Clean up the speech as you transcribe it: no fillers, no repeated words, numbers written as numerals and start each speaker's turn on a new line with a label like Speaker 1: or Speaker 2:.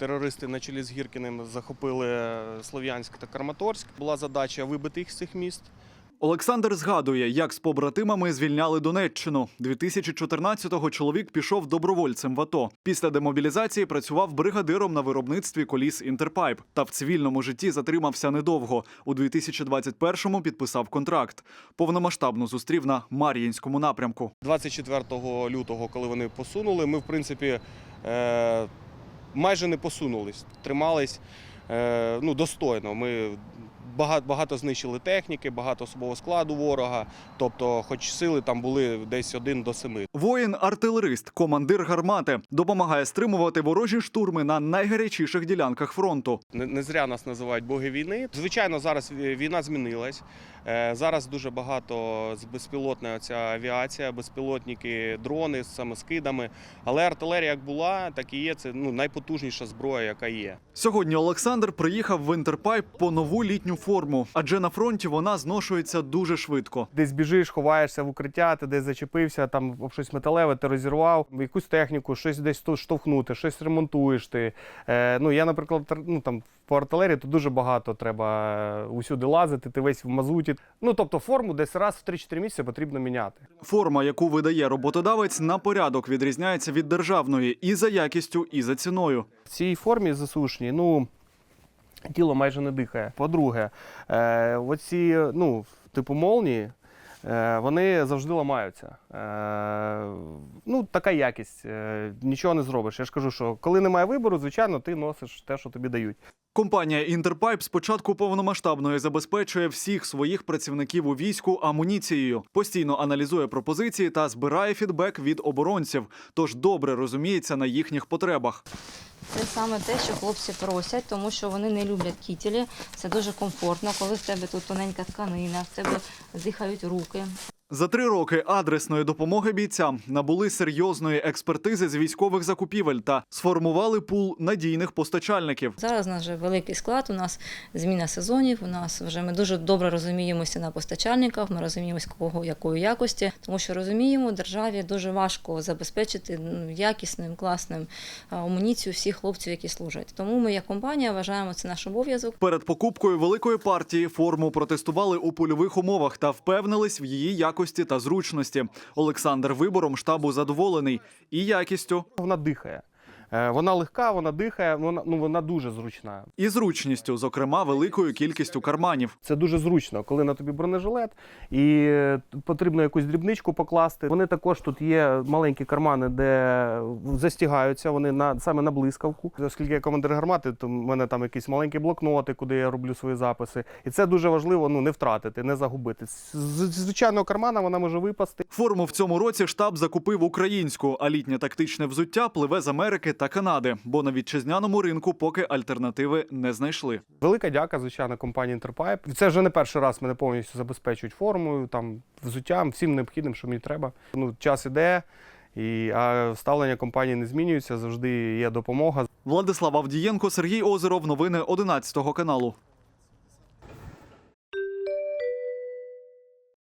Speaker 1: Терористи на чолі з Гіркіним захопили Слов'янськ та Краматорськ. Була задача вибити їх з цих міст.
Speaker 2: Олександр згадує, як з побратимами звільняли Донеччину. 2014-го чоловік пішов добровольцем в АТО. Після демобілізації працював бригадиром на виробництві коліс «Інтерпайп». Та в цивільному житті затримався недовго. У 2021-му підписав контракт. Повномасштабно зустрів на Мар'їнському напрямку.
Speaker 1: 24 лютого, коли вони посунули, ми, в принципі, майже не посунулись. Тримались достойно. Ми багато знищили техніки, багато особового складу ворога, тобто хоч сили там були десь 1 до 7.
Speaker 2: Воїн-артилерист, командир гармати, допомагає стримувати ворожі штурми на найгарячіших ділянках фронту.
Speaker 1: Не зря нас називають боги війни. Звичайно, зараз війна змінилась. Зараз дуже багато безпілотна ця авіація, безпілотники, дрони з самоскидами. Але артилерія як була, так і є. Це найпотужніша зброя, яка є.
Speaker 2: Сьогодні Олександр приїхав в «Інтерпайп» по нову літню форму, адже на фронті вона зношується дуже швидко.
Speaker 3: Десь біжиш, ховаєшся в укриття, ти десь зачепився, там об щось металеве, ти розірвав, якусь техніку, щось десь штовхнути, щось ремонтуєш ти. Я, наприклад, по артилерії то дуже багато треба усюди лазити, ти весь в мазуті. Тобто форму десь раз в 3-4 місяці потрібно міняти.
Speaker 2: Форма, яку видає роботодавець, на порядок відрізняється від державної і за якістю, і за ціною.
Speaker 3: В цій формі ЗСУшній, тіло майже не дихає. По-друге, оці, типу молнії, вони завжди ламаються. Така якість, нічого не зробиш. Я ж кажу, що коли немає вибору, звичайно, ти носиш те, що тобі дають.
Speaker 2: Компанія «Інтерпайп» з початку повномасштабної забезпечує всіх своїх працівників у війську амуніцією, постійно аналізує пропозиції та збирає фідбек від оборонців, тож добре розуміється на їхніх потребах.
Speaker 4: Це саме те, що хлопці просять, тому що вони не люблять кітелі. Це дуже комфортно, коли в тебе тут тоненька тканина, в тебе дихають руки.
Speaker 2: За 3 роки адресної допомоги бійцям набули серйозної експертизи з військових закупівель та сформували пул надійних постачальників.
Speaker 4: Зараз у нас вже великий склад, у нас зміна сезонів, ми дуже добре розуміємося на постачальниках, ми розуміємося кого, якої якості, тому що розуміємо, державі дуже важко забезпечити якісним, класним амуніцію всіх хлопців, які служать. Тому ми як компанія вважаємо це наш обов'язок.
Speaker 2: Перед покупкою великої партії форму протестували у польових умовах та впевнились в її якості та зручності. Олександр вибором штабу задоволений і якістю.
Speaker 3: Вона дихає. Вона легка, вона дихає, вона дуже зручна.
Speaker 2: І зручністю, зокрема, великою кількістю карманів.
Speaker 3: Це дуже зручно, коли на тобі бронежилет і потрібно якусь дрібничку покласти. Вони також тут є маленькі кармани, де застігаються, вони саме на блискавку. Оскільки я командир гармати, то в мене там якісь маленькі блокноти, куди я роблю свої записи. І це дуже важливо не втратити, не загубити. З звичайного кармана вона може випасти.
Speaker 2: Форму в цьому році штаб закупив українську, а літнє тактичне взуття пливе з Америки та Канади, бо на вітчизняному ринку поки альтернативи не знайшли.
Speaker 3: Велика дяка, звичайно, компанії «Інтерпайп». Це вже не перший раз мене повністю забезпечують формою, взуттям, всім необхідним, що мені треба. Час іде, а ставлення компанії не змінюється, завжди є допомога.
Speaker 2: Владислав Авдієнко, Сергій Озеров. Новини 11 каналу.